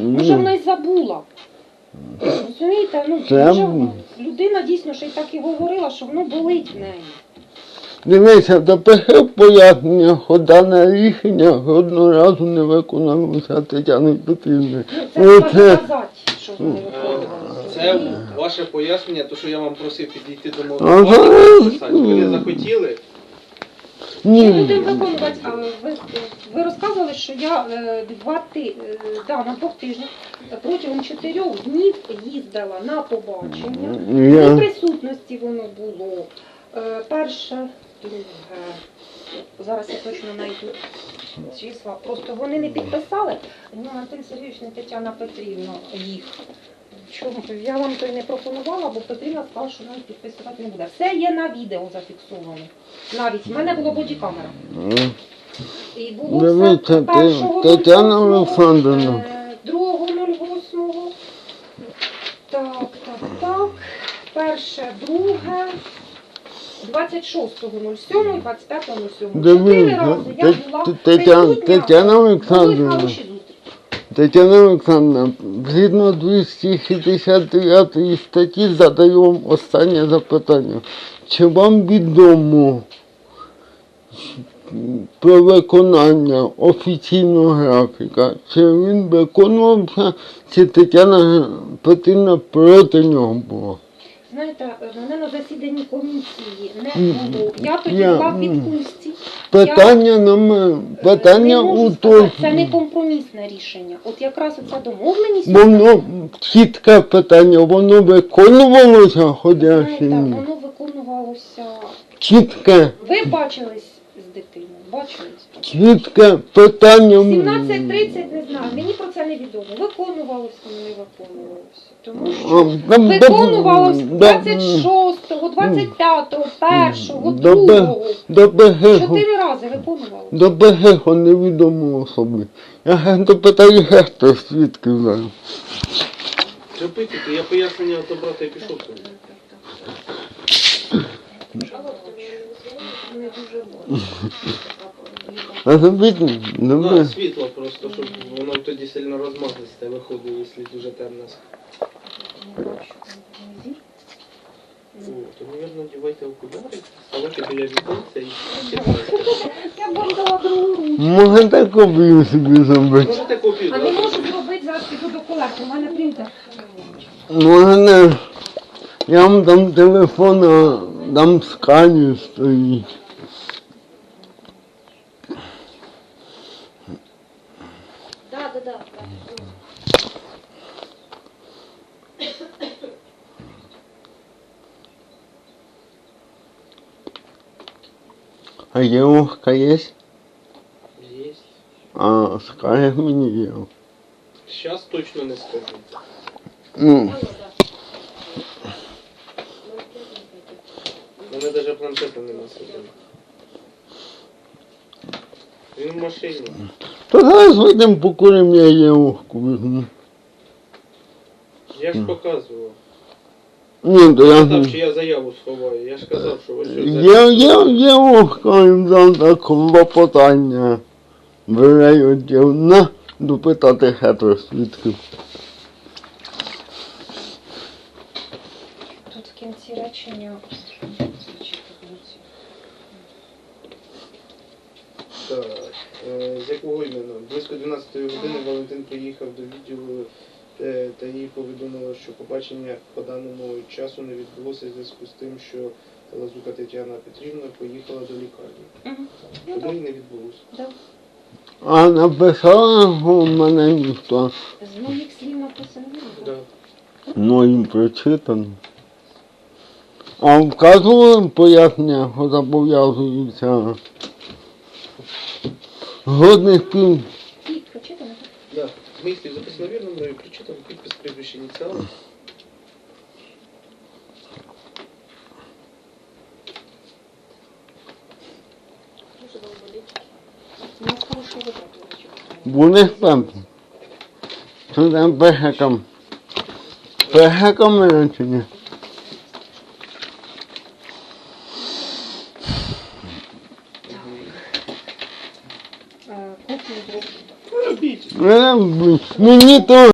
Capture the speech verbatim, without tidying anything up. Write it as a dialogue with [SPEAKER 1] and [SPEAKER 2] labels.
[SPEAKER 1] Може вона й забула. Розумієте, ну,
[SPEAKER 2] Це...
[SPEAKER 1] може, людина дійсно ще й так і говорила, що воно болить в неї.
[SPEAKER 2] Дивися, таке пояснення, хода на рішення одного разу не виконалося Тетяни Петрівни.
[SPEAKER 1] Ну, це треба доказати, що вони виконували.
[SPEAKER 3] Це ваше пояснення, то що я вам просив підійти до мого написати. Ви не захотіли?
[SPEAKER 2] Ні.
[SPEAKER 1] Ми будемо виконувати, а ви, ви розказували, що я е, два ти, е, да, на двох тижнях протягом чотирьох днів їздила на побачення.
[SPEAKER 2] Я...
[SPEAKER 1] У присутності воно було. Е, перше, друге, зараз я точно знайду числа, просто вони не підписали, ну, Антон Сергійович, не Тетяна Петрівна їх. Чому? Я вам то й не пропонувала, бо Петрівна сказала, що навіть підписувати не буде. Все є на відео зафіксовано. Навіть в мене було бодікамера. І було
[SPEAKER 2] Дивіться,
[SPEAKER 1] першого
[SPEAKER 2] Тетяна Олександрівна.
[SPEAKER 1] другого нуль восьмого. Так, так, так. Перше, друге. двадцять шостого нуль сьомого і двадцять п'ятого нуль сьомого. Чотири рази я була присутня.
[SPEAKER 2] Тетяна Олександрівна.
[SPEAKER 1] Були хороші зустрічі.
[SPEAKER 2] Тетяна Олександровна, згідно двісті шістдесят дев'ятої статті задаю вам останнє запитання. Чи вам відомо про виконання офіційного графіка? Чи він виконувався, чи Тетяна Петрівна проти нього була?
[SPEAKER 1] Знаєте, мене на засіданні комісії не було. Я тоді
[SPEAKER 2] Я-
[SPEAKER 1] була в відпустці.
[SPEAKER 2] Питання номер, питання
[SPEAKER 1] Не можу
[SPEAKER 2] у
[SPEAKER 1] сказати,
[SPEAKER 2] тому,
[SPEAKER 1] це не компромісне рішення. От якраз оця домовленість,
[SPEAKER 2] воно, чітке питання, воно виконувалося, ходячи?
[SPEAKER 1] знаєте, воно виконувалося.
[SPEAKER 2] Чітке.
[SPEAKER 1] Ви бачились з дитиною, бачились?
[SPEAKER 2] Чітке питання.
[SPEAKER 1] сімнадцять тридцять, не знаю, мені про це не відомо. Виконувалося, не виконувалося. Тому що
[SPEAKER 2] А, да,
[SPEAKER 1] виконувалося
[SPEAKER 2] да,
[SPEAKER 1] двадцять шостого, двадцять п'ятого, першого,
[SPEAKER 2] До Б-
[SPEAKER 1] другого.
[SPEAKER 2] До БГ,
[SPEAKER 1] Чотири рази виконувалося.
[SPEAKER 2] до БГ невідомо особи. Я гетто питаю гетто, свідки знаю.
[SPEAKER 3] Зробити, то я пояснення до брата і пішов.
[SPEAKER 1] Не дуже було.
[SPEAKER 2] А зробіть,
[SPEAKER 3] Да,
[SPEAKER 2] добре.
[SPEAKER 3] світло просто, щоб воно тоді сильно розмазисте виходить, якщо дуже темно. О, то, мабуть, надівайте окуляри, ставайте біля віконця і читайте.
[SPEAKER 1] Я б вам дала другу руку.
[SPEAKER 2] Можете копію собі зробити.
[SPEAKER 3] Можете копію
[SPEAKER 1] А не
[SPEAKER 3] дати?
[SPEAKER 1] можу зробити, зараз піду до колег, у мене принтер.
[SPEAKER 2] Можете, я вам дам телефон, а там сканер стоїть.
[SPEAKER 1] Так, так, так.
[SPEAKER 2] А девушка есть?
[SPEAKER 3] Єсть.
[SPEAKER 2] А, скажешь мне ее.
[SPEAKER 3] Зараз точно не скажу.
[SPEAKER 2] Ну,
[SPEAKER 3] У мене навіть планшета нема собі. Він в машині.
[SPEAKER 2] то зараз вийдемо покуримо, я девушку візьму.
[SPEAKER 3] Я ж показував.
[SPEAKER 2] Ні, то я...
[SPEAKER 3] Казав, що я заяву сховаю. Я ж казав, що ось ось.
[SPEAKER 2] Є, є, девушка, їм дам так клопотання. Бере дівна допитати хетро свідків.
[SPEAKER 1] Тут в кінці речення.
[SPEAKER 3] Так, е, з якого іменно? Близько дванадцятої години Валентин приїхав до відділу е, та їй повідомило, що побачення по даному часу не відбулося в зв'язку з тим, що Лазука Тетяна Петрівна поїхала до лікарні.
[SPEAKER 1] Угу. Ну,
[SPEAKER 3] Тому
[SPEAKER 1] так.
[SPEAKER 3] і не відбулося.
[SPEAKER 1] Да.
[SPEAKER 2] А написала у мене ніхто.
[SPEAKER 1] З моїх слів написано.
[SPEAKER 3] Да.
[SPEAKER 2] Ну, їм прочитано. А вказували пояснення, що зобов'язуються годних пів.
[SPEAKER 1] І прочитано.
[SPEAKER 3] Да. Мислі записано вірно, мною прочитав, підпис, прізвище, ініціали.
[SPEAKER 1] У нас хороший вибір, до речі.
[SPEAKER 2] Вони там. Що там пехакам? Пехакам мене чи ні?
[SPEAKER 1] Е, Копію зроблю.
[SPEAKER 3] Ну, робіть.
[SPEAKER 2] Мене, мені то